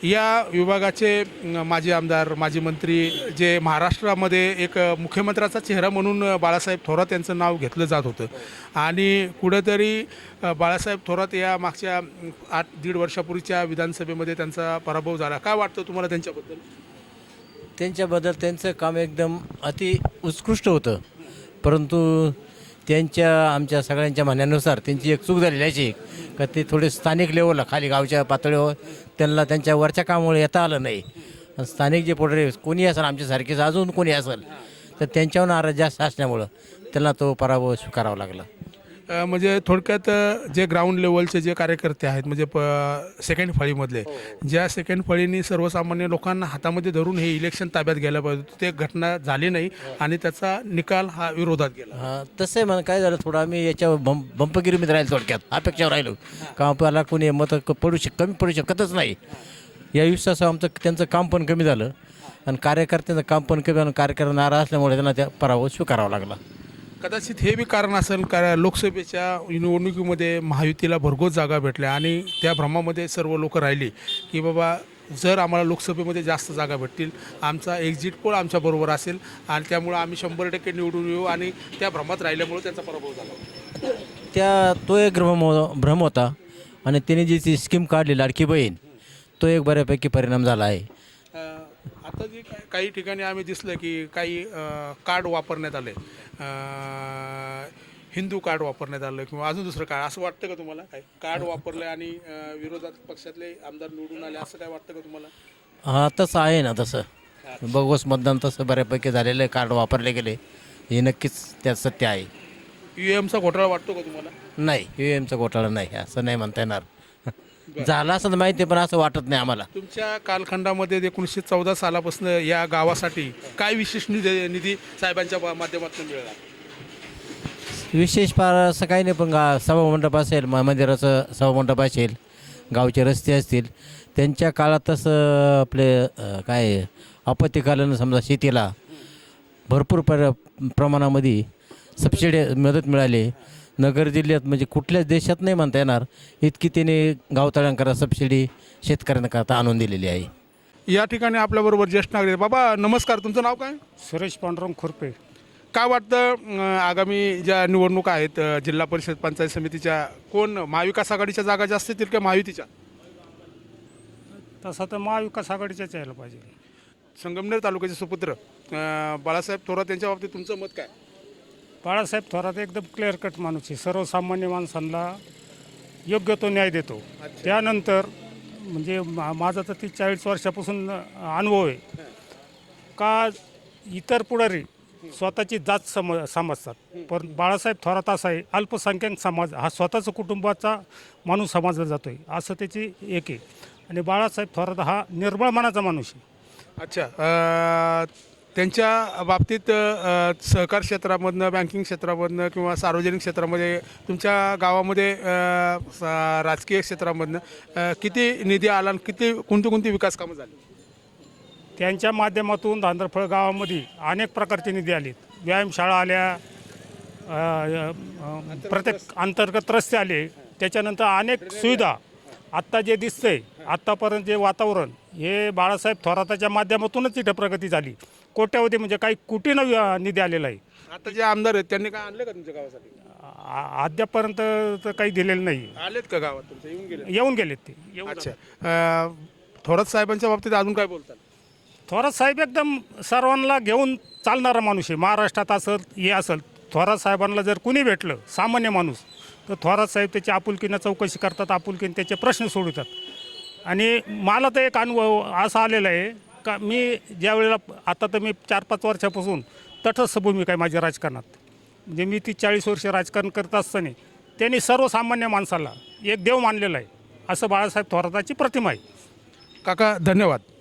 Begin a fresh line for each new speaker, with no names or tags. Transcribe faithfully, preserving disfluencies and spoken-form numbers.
या विभागाचे अ, माजी आमदार, माजी मंत्री जे महाराष्ट्रामध्ये एक अ, मुख्यमंत्र्याचा चेहरा म्हणून अ, बाळासाहेब थोरात यांचं नाव घेतलं जात होतं आणि कुठेतरी अ, बाळासाहेब थोरात या मागच्या अम, आठ दीड वर्षापूर्वीच्या विधानसभेमध्ये त्यांचा पराभव झाला. काय वाटतं तुम्हाला त्यांच्याबद्दल?
त्यांच्याबद्दल त्यांचं काम एकदम अति उत्कृष्ट होतं, परंतु त्यांच्या आमच्या सगळ्यांच्या म्हणण्यानुसार त्यांची एक चूक झालेली आहे का ते थोडे स्थानिक लेवलला खाली गावच्या पातळीवर त्यांना त्यांच्या वरच्या कामामुळे येता आलं नाही. आणि स्थानिक जे पोटरे कोणी असेल आमच्यासारखेच अजून कोणी असेल तर त्यांच्यावर नाराज जास्त असल्यामुळं त्यांना तो पराभव स्वीकारावा लागला.
अ, म्हणजे थोडक्यात अ, जे ग्राउंड लेवलचे जे कार्यकर्ते आहेत म्हणजे प सेकंड फळीमधले ज्या सेकंड फळीनी सर्वसामान्य लोकांना हातामध्ये धरून हे इलेक्शन ताब्यात घ्यायला पाहिजे होतं, ते घटना झाली नाही आणि त्याचा निकाल हा विरोधात गेला.
हां तसं आहे म्हणा. काय झालं थोडं आम्ही याच्यावर बंप बंपगिरीमध्ये राहिलो, थोडक्यात अपेक्षावर राहिलो का आपल्याला कोणी मतं क- पडू शक कमी पडू शकतच नाही या विश्वासावर आमचं त्यांचं काम पण कमी झालं आणि कार्यकर्त्यांचं काम पण कमी झालं. कार्यकर्ते नाराज असल्यामुळे त्यांना त्या पराभव स्वीकारावा लागला.
कदाचित हे बी कारण असेल कारण लोकसभेच्या निवडणुकीमध्ये महायुतीला भरघोस जागा भेटल्या आणि त्या भ्रमामध्ये सर्व लोक राहिली की बाबा जर आम्हाला लोकसभेमध्ये जास्त जागा भेटतील आमचा एक्झिट पोल आमच्याबरोबर असेल आणि त्यामुळं आम्ही शंभर टक्के निवडून येऊ आणि त्या भ्रमात राहिल्यामुळे त्यांचा पराभव झाला.
त्या तो एक भ्रम हो- भ्रम होता आणि त्याने जी ती स्कीम काढली लाडकी बहीण तो एक बऱ्यापैकी परिणाम झाला आहे.
अ, आता जे काही काही ठिकाणी आम्ही दिसलं की काही अ, कार्ड वापरण्यात आले अ, हिंदू कार्ड वापरण्यात आलं किंवा अजून दुसरं कार्ड असं वाटतं का तुम्हाला? काय कार्ड वापरलं आणि अ, विरोधात पक्षातले आमदार निवडून आले असं काय वाटतं का तुम्हाला?
हां तसं आहे ना. तसं बोगस मतदान तसं बऱ्यापैकी झालेलं आहे. कार्ड वापरले गेले हे नक्कीच त्यात सत्य आहे.
यू एमचा घोटाळा वाटतो का तुम्हाला?
नाही यू एमचा घोटाळा नाही असं नाही म्हणता येणार. झाला असं तर माहिती आहे, पण असं वाटत नाही आम्हाला.
तुमच्या कालखंडामध्ये एकोणीसशे चौदा सालापासून या गावासाठी काय विशेष निधी निधी साहेबांच्या मा- माध्यमातून मिळाला?
विशेष फार असं काही नाही, पण गा सभामंडप असेल, म मंदिराचं सभामंडप असेल, गावचे रस्ते असतील, त्यांच्या काळात तसं आपले अ, काय आपत्तीकालीन समजा शेतीला भरपूर पर प्रमाणामध्ये सबसिडी मदत मिळाली. नगर जिल्ह्यात म्हणजे कुठल्याच देशात नाही म्हणता येणार इतकी त्याने गावतळ्यांकरता सबसिडी शेतकऱ्यांकरता आणून दिलेली आहे.
या ठिकाणी आपल्याबरोबर ज्येष्ठ नागरिक बाबा नमस्कार, तुमचं नाव काय?
सुरेश पांडुरंग खुरपे.
काय वाटतं अं, आगामी ज्या निवडणुका आहेत अं, जिल्हा परिषद पंचायत समितीच्या कोण महाविकास आघाडीच्या जागा जास्त येतील का महायुतीच्या?
तसं तर महाविकास आघाडीच्याच यायला पाहिजे.
संगमनेर तालुक्याचे सुपुत्र अं, बाळासाहेब थोरात यांच्या बाबतीत तुमचं मत काय?
बाळासाहेब थोरात एकदम क्लिअर कट माणूस आहे. सर्वसामान्य माणसांना योग्य तो न्याय देतो. त्यानंतर म्हणजे मा माझा तर ती चाळीस वर्षापासून अनुभव आहे का इतर पुढारी स्वतःची जात सम समजतात, पण बाळासाहेब थोरात असा आहे अल्पसंख्याक समाज हा स्वतःचा कुटुंबाचा माणूस समजला जातो आहे असं त्याची एक आहे. आणि बाळासाहेब थोरात हा निर्मळ मनाचा माणूस आहे.
अच्छा, अं, त्यांच्या बाबतीत अं, सहकार क्षेत्रामधनं बँकिंग क्षेत्रामधनं किंवा सार्वजनिक क्षेत्रामध्ये तुमच्या गावामध्ये अं, सा- राजकीय क्षेत्रामधनं अं, किती निधी आला आणि किती कोणती कोणती विकास कामं झाली?
त्यांच्या माध्यमातून धांदरफळ गावामध्ये अनेक प्रकारचे निधी आलेत. व्यायामशाळा आल्या, अ, अ, प्रत्येक अंतर्गत रस्ते आले, त्याच्यानंतर अनेक सुविधा. आत्ता जे दिसतंय आत्तापर्यंत जे वातावरण हे बाळासाहेब थोराताच्या माध्यमातूनच तिथं प्रगती झाली. कोट्यावधी म्हणजे काही कोटीनं व्य- निधी आलेला आहे.
आता जे आमदार आहेत त्यांनी काय आणलं का तुमच्या गावासाठी?
आ- अद्यापर्यंत तर काही दिलेलं नाही.
आलेत का गावात तुमच्या? येऊन गेले?
येऊन गेलेत ते येऊन
अच्छा, अं, थोरात साहेबांच्या बाबतीत अजून काय बोलतात?
थोरात साहेब एकदम सर्वांना घेऊन चालणारा माणूस आहे. महाराष्ट्रात असेल हे असेल, थोरात साहेबांना जर कुणी भेटलं सामान्य माणूस तर थोरात साहेब त्याची आपुलकीनं चौकशी करतात, आपुलकीनं त्याचे प्रश्न सोडवतात. आणि मला तर एक अनुभव असा आलेला आहे का मी ज्या वेळेला आता तर मी चार पाच वर्षापासून तटस्थ भूमिका आहे माझ्या राजकारणात. म्हणजे मी ती चाळीस वर्ष राजकारण करत असताना त्यांनी सर्वसामान्य माणसाला एक देव मानलेला आहे असं बाळासाहेब थोराताची प्रतिमा आहे.
काका धन्यवाद.